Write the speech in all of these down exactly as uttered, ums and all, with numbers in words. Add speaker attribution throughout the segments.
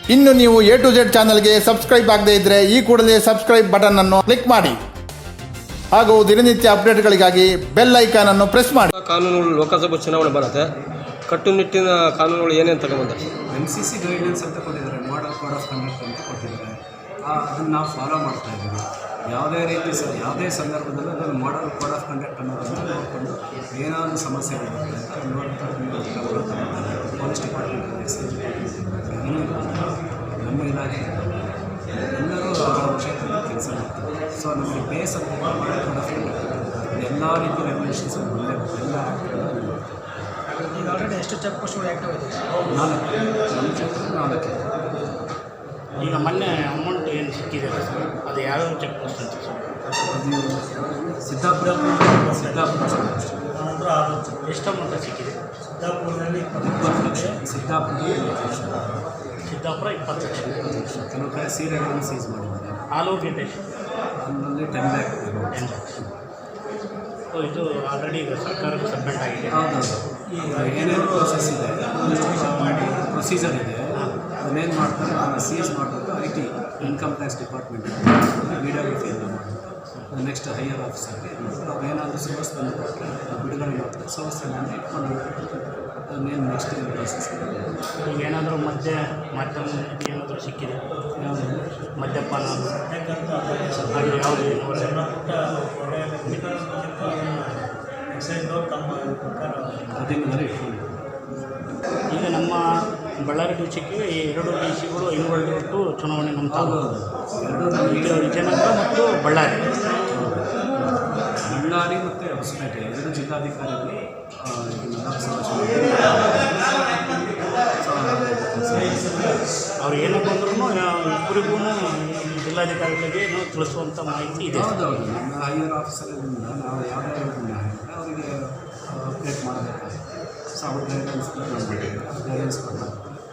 Speaker 1: ಇನ್ನು ನೀವು A to Z ಚಾನಲ್ಗೆ ಸಬ್ಸ್ಕ್ರೈಬ್ ಆಗದೇ ಇದ್ದರೆ ಈ ಕೂಡಲೇ ಸಬ್ಸ್ಕ್ರೈಬ್ ಬಟನ್ ಅನ್ನು ಕ್ಲಿಕ್ ಮಾಡಿ ಹಾಗೂ ದಿನನಿತ್ಯ ಅಪ್ಡೇಟ್ಗಳಿಗಾಗಿ ಬೆಲ್ ಐಕಾನ್ ಅನ್ನು ಪ್ರೆಸ್ ಮಾಡಿ.
Speaker 2: ಕಾನೂನುಗಳು ಲೋಕಸಭಾ ಚುನಾವಣೆ ಬರುತ್ತೆ, ಕಟ್ಟುನಿಟ್ಟಿನ ಕಾನೂನುಗಳು ಏನೇನು ತಗೊಂಡ್ಬಂದ?
Speaker 3: ಎಮ್ ಸಿ ಸಿ ಗೈಡ್ಲೈನ್ಸ್ ಅಂತ ಕೊಟ್ಟಿದ್ದಾರೆ, ಮಾಡಲ್ ಕೋಡ್ ಆಫ್ ಕಂಡಕ್ಟ್ ಅಂತ ಕೊಟ್ಟಿದ್ದಾರೆ. ಅದನ್ನು ನಾವು ಫಾಲೋ ಮಾಡ್ತಾ ಇದ್ದೀವಿ. ಯಾವುದೇ ರೀತಿ ಸ ಯಾವುದೇ ಸಂದರ್ಭದಲ್ಲೂ ಅದನ್ನು ಮಾಡಲ್ ಕೋಡ್ ಆಫ್ ಕಂಡಕ್ಟ್ ಅನ್ನೋದನ್ನು ನೋಡಿಕೊಂಡು ಏನಾದರೂ ಸಮಸ್ಯೆ ಬರುತ್ತೆ ಅಂತ ಅದು ನೋಡ್ತಾ ಪೊಲೀಸ್ ಡಿಪಾರ್ಟ್ಮೆಂಟ್, ಎಕ್ಸೈಸ್ ಡಿಪಾರ್ಟ್ಮೆಂಟ್, ಏನೂ ನಮ್ಮ ಇಲಾಖೆ ಎಲ್ಲರೂ ಅವರ ಕ್ಷೇತ್ರದಲ್ಲಿ ಕೆಲಸ ಮಾಡ್ತಾರೆ. ಸೊ ನಮಗೆ ಬೇಸ್ ಅಂತ ಮಾಡಲ್ ಕೋಡ್ ಆಫ್ ಕಂಡಕ್ಟ್ ಎಲ್ಲ ರೀತಿಯ ರೆಗ್ಯುಲೇಷನ್ಸ್ ಒಳ್ಳೆ ಎಲ್ಲ
Speaker 4: ಈಗ ಆಲ್ರೆಡಿ ಎಷ್ಟು ಚೆಕ್ ಪೋಸ್ಟ್ಗಳು ಆ್ಯಕ್ಟಿವ್ ಇದೆ?
Speaker 3: ನಾಲ್ಕು ನಮ್ಮ ಕ್ಷೇತ್ರದಲ್ಲಿ ನಾಲ್ಕು.
Speaker 5: ಈಗ ಮೊನ್ನೆ ಅಮೌಂಟ್ ಏನು ಸಿಕ್ಕಿದೆ ಸರ್, ಅದು ಯಾವ್ಯಾವ ಚೆಕ್ ಪೋಸ್ಟ್ ಅಂತ ಸರ್?
Speaker 3: ಅದು ಸಿದ್ದಾಪುರ ಸಿದ್ದಾಪುರ
Speaker 5: ಅಂದ್ರೆ ಅದು ಎಷ್ಟು ಅಮೌಂಟ್ ಸಿಕ್ಕಿದೆ? ಸಿದ್ದಾಪುರದಲ್ಲಿ
Speaker 3: ಇಪ್ಪತ್ತು ಲಕ್ಷ, ಸಿದ್ದಾಪುರ
Speaker 5: ಸಿದ್ದಾಪುರ ಇಪ್ಪತ್ತು ಲಕ್ಷ.
Speaker 3: ಕೆಲವು ಕಡೆ ಸೀರೆಗಳನ್ನು ಸೀಸ್ ಮಾಡಿದ್ದಾರೆ.
Speaker 5: ಆಲ್ ಓವರ್ ಗೇಟ್ ಎಷ್ಟು?
Speaker 3: ಅದರಲ್ಲಿ ten lakh
Speaker 5: ten lakhs. So ಇದು ಆಲ್ರೆಡಿ ಈಗ ಸರ್ಕಾರಕ್ಕೆ ಸಬ್ಮಿಟ್ ಆಗಿದೆ.
Speaker 3: ಹೌದೌದು. ಈಗ ಏನೇನು ಪ್ರೊಸೆಸ್ ಇದೆ, ಪ್ರೊಸೀಜರ್ ಇದೆ, ಅದನ್ನೇನು ಮಾಡ್ತಾರೆ ಅದನ್ನು ಸೀಸ್ ಮಾಡಬೇಕು. I T income tax department videography ಎಲ್ಲ ಮಾಡಬೇಕು. ನೆಕ್ಸ್ಟ್ ಹೈಯರ್ ಆಫೀಸರ್ಗೆ ಅವ್ರು ಏನಾದರೂ ಸೋರ್ಸ್ ಬಂದು ಕೊಟ್ಟರೆ ಬಿಡುಗಡೆ ಮಾಡ್ತಾರೆ. ಸೋರ್ಸ್ ಎಲ್ಲ ಇಟ್ಕೊಂಡು ಅದನ್ನೇನು ನೆಕ್ಸ್ಟ್ ಏನು ಪ್ರೊಸೆಸ್
Speaker 5: ಈಗ ಏನಾದರೂ ಮದ್ಯ ಮಾಧ್ಯಮ ಏನಾದರೂ ಸಿಕ್ಕಿದೆ?
Speaker 3: ಯಾವುದು
Speaker 5: ಮದ್ಯಪಾನ ಅದು ಯಾವುದು?
Speaker 3: ಅದನ್ನೆಲ್ಲ ಇಟ್ಕೊಂಡು
Speaker 5: ಈಗ ನಮ್ಮ ಬಳ್ಳಾರಿ ಡಿಸ್ಟಿಕ್ಕಿಗೆ ಈ ಎರಡು ಡಿ ಸಿಗಳು ಇನ್ವಾಲ್ವ್ ಚುನಾವಣೆ ನಮ್ಮ ತಾಲೂಕು
Speaker 3: ಎರಡು ನಮಗೆ
Speaker 5: ವಿಜಯನಗರ ಮತ್ತು ಬಳ್ಳಾರಿ
Speaker 3: ಬಳ್ಳಾರಿ ಮತ್ತು ಹೊಸಪೇಟೆ ಎರಡು ಜಿಲ್ಲಾಧಿಕಾರಿಗಳು
Speaker 5: ಅವ್ರು ಏನೋ ಬಂದ್ರೂ ಇಬ್ಬರಿಗೂ ಜಿಲ್ಲಾಧಿಕಾರಿಗಳಿಗೆ ಏನೋ ತಿಳಿಸುವಂಥ ಮಾಹಿತಿ ಇದೆ.
Speaker 3: ಹೌದೌದು. ನಮ್ಮ ಹೈಯರ್ ಆಫೀಸರಿಂದ ನಾವು ಯಾವುದೇ ನ್ಯಾಯ ಅವರಿಗೆ ಅಪ್ಡೇಟ್ ಮಾಡಬೇಕು. ಸೊ ಅವ್ರ ಗೈಡೆನ್ಸ್ ಗೈಡೆನ್ಸ್ ಕೊಡ್ತಾರೆ.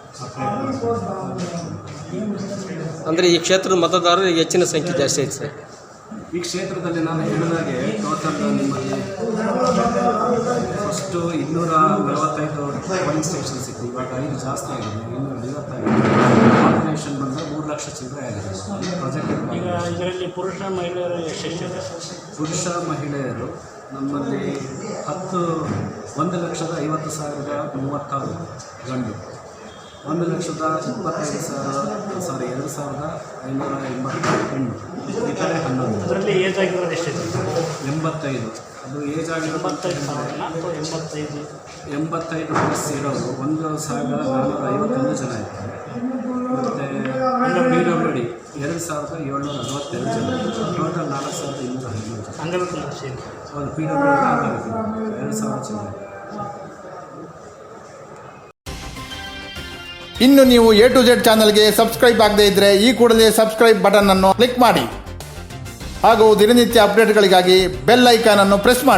Speaker 2: ಅಂದರೆ ಈ ಕ್ಷೇತ್ರದ ಮತದಾರರು ಹೆಚ್ಚಿನ ಸಂಖ್ಯೆ ಜಾಸ್ತಿ ಐತೆ ಸರ್.
Speaker 3: ಈ ಕ್ಷೇತ್ರದಲ್ಲಿ ನಾನು ಹೇಳಿದಾಗೆ ಟೋಟಲ್ ನಿಮ್ಮಲ್ಲಿ ಫಸ್ಟು ಇನ್ನೂರ ನಲವತ್ತೈದು ಪೋಲಿಂಗ್ ಸ್ಟೇಷನ್ಸ್ ಇತ್ತು. ಇವಾಗ ಐದು ಜಾಸ್ತಿ ಆಗಿದೆ, ಇನ್ನೂರ ಐವತ್ತೈದು. ಪಾಪ್ಯುಲೇಷನ್ ಬಂದರೆ ಮೂರು ಲಕ್ಷ ಚಿಲ್ಲರೆ ಆಗಿದೆ ಪ್ರಾಜೆಕ್ಟ್.
Speaker 5: ಈಗ ಇದರಲ್ಲಿ ಪುರುಷ ಮಹಿಳೆಯರು ಎಷ್ಟೆಷ್ಟಿದೆ?
Speaker 3: ಪುರುಷ ಮಹಿಳೆಯರು ನಮ್ಮಲ್ಲಿ ಹತ್ತು ಒಂದು ಲಕ್ಷದ ಐವತ್ತು ಸಾವಿರದ ಮೂವತ್ತಾರು ಗಂಡು, ಒಂದು ಲಕ್ಷದ ಇಪ್ಪತ್ತೈದು ಸಾವಿರ ಸಾರಿ ಎರಡು ಸಾವಿರದ ಐನೂರ ಎಂಬತ್ತಾರು ಹೆಣ್ಣು, ಈ ಕಡೆ ಹನ್ನೊಂದು.
Speaker 5: ಅದರಲ್ಲಿ ಏಜ್ ಆಗಿರೋದು ಎಷ್ಟಿದೆ?
Speaker 3: ಎಂಬತ್ತೈದು. ಅದು ಏಜ್ ಆಗಿರೋ
Speaker 5: ಎಂಬತ್ತೈದು ಸಾವಿರ ಅಥವಾ ಎಂಬತ್ತೈದು
Speaker 3: ಎಂಬತ್ತೈದು ಪ್ಲಸ್ ಇರೋರು ಒಂದು ಸಾವಿರದ ನಾನ್ನೂರ ಐವತ್ತೊಂದು ಜನ ಇದ್ದಾರೆ. ಮತ್ತು ಪಿ ಡಬ್ಲ್ಯೂ ಡಿ ಎರಡು ಸಾವಿರದ ಏಳ್ನೂರ ನಲವತ್ತೆರಡು ಜನ, ಟೋಟಲ್ ನಾಲ್ಕು ಸಾವಿರದ ಇನ್ನೂರ ಹದಿಮೂರು ಜನ.
Speaker 5: ಅಂಗವಿಕಲ ಸೇರಿ
Speaker 3: ಹೌದು, ಪಿ ಡಬ್ಲ್ಯೂ ಡಿ ಎರಡು ಸಾವಿರ ಜನ.
Speaker 1: ಇನ್ನು ನೀವು ಎ ಟು ಝೆಡ್ ಚಾನಲ್ಗೆ ಸಬ್ಸ್ಕ್ರೈಬ್ ಆಗದೇ ಇದ್ದರೆ ಈ ಕೂಡಲೇ ಸಬ್ಸ್ಕ್ರೈಬ್ ಬಟನ್ ಅನ್ನು ಕ್ಲಿಕ್ ಮಾಡಿ ಹಾಗೂ ದಿನನಿತ್ಯ ಅಪ್ಡೇಟ್ಗಳಿಗಾಗಿ ಬೆಲ್ ಐಕಾನ್ ಅನ್ನು ಪ್ರೆಸ್ ಮಾಡಿ.